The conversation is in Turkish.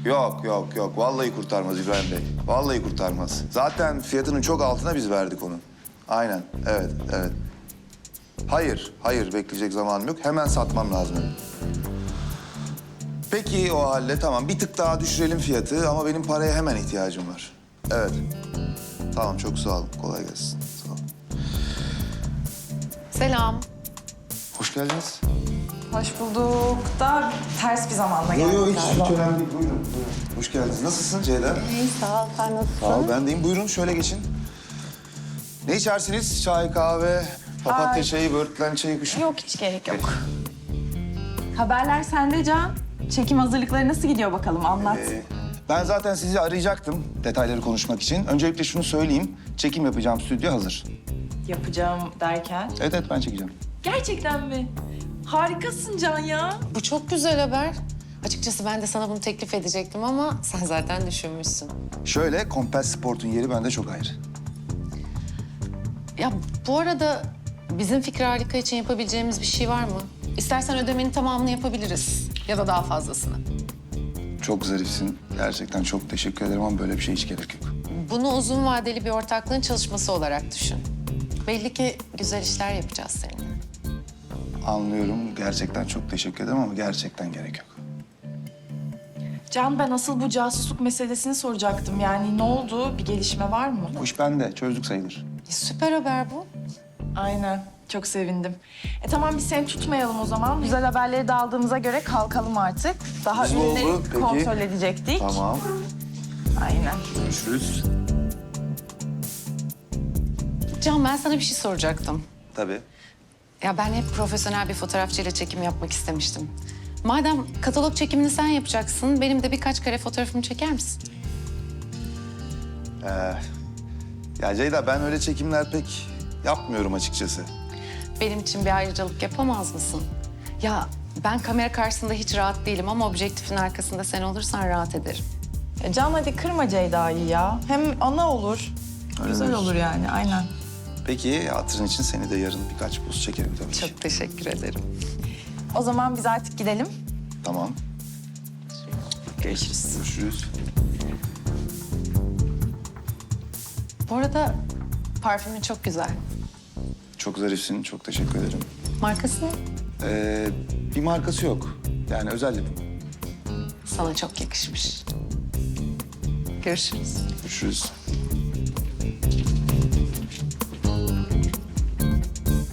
Yok. Vallahi kurtarmaz İbrahim Bey. Vallahi kurtarmaz. Zaten fiyatının çok altına biz verdik onu. Aynen, evet. Hayır, bekleyecek zamanım yok. Hemen satmam lazım. Peki o halde tamam. Bir tık daha düşürelim fiyatı ama benim paraya hemen ihtiyacım var. Evet. Tamam, çok sağ olun. Kolay gelsin. Sağ olun. Selam. Hoş geldiniz. Hoş bulduk da ters bir zamanda geldik Yok, galiba. hiç önemli değil. Buyurun. Hoş geldiniz. Nasılsın Ceyda? İyi, sağ ol. Sen nasılsın? Sağ ol, ben deyim. Buyurun, şöyle geçin. Ne içersiniz? Çay, kahve, papatya Ay. çayı, böğürtlen çayı, kuşu. Yok hiç gerek yok. Haberler sende Can. Çekim hazırlıkları nasıl gidiyor bakalım anlat. Ben zaten sizi arayacaktım detayları konuşmak için. Öncelikle şunu söyleyeyim. Çekim yapacağım stüdyo hazır. Yapacağım derken. Evet, ben çekeceğim. Gerçekten mi? Harikasın Can ya. Bu çok güzel haber. Açıkçası ben de sana bunu teklif edecektim ama sen zaten düşünmüşsün. Şöyle, Compass Sport'un yeri bende çok ayrı. Ya bu arada bizim Fikri Harika için yapabileceğimiz bir şey var mı? İstersen ödemenin tamamını yapabiliriz ya da daha fazlasını. Çok zarifsin. Gerçekten çok teşekkür ederim ama böyle bir şey hiç gerek yok. Bunu uzun vadeli bir ortaklığın çalışması olarak düşün. Belli ki güzel işler yapacağız seninle. Anlıyorum. Gerçekten çok teşekkür ederim ama gerçekten gerek yok. Can ben asıl bu casusluk meselesini soracaktım. Yani ne oldu? Bir gelişme var mı? Bu iş bende. Çözdük sayılır. Süper haber bu. Aynen. Çok sevindim. Tamam biz seni tutmayalım o zaman. Güzel haberleri de aldığımıza göre kalkalım artık. Daha Güzel oldu, ürünleri peki. kontrol edecektik. Tamam. Aynen. Görüşürüz. Can ben sana bir şey soracaktım. Tabii. Ya ben hep profesyonel bir fotoğrafçıyla çekim yapmak istemiştim. Madem katalog çekimini sen yapacaksın, benim de birkaç kare fotoğrafımı çeker misin? Ya Ceyda, ben öyle çekimler pek yapmıyorum açıkçası. Benim için bir ayrıcalık yapamaz mısın? Ya ben kamera karşısında hiç rahat değilim ama objektifin arkasında sen olursan rahat ederim. Can hadi kırma Ceyda'yı ya. Hem ana olur. Öyle Güzel mi? olur yani aynen. Peki, hatırın için seni de yarın birkaç poz çekerim tabii ki. Çok teşekkür ederim. O zaman biz artık gidelim. Tamam. Görüşürüz. Görüşürüz. Bu arada parfümün çok güzel. Çok zarifsin. Çok teşekkür ederim. Markası ne? Bir markası yok. Yani özel yapım. Sana çok yakışmış. Görüşürüz. Görüşürüz.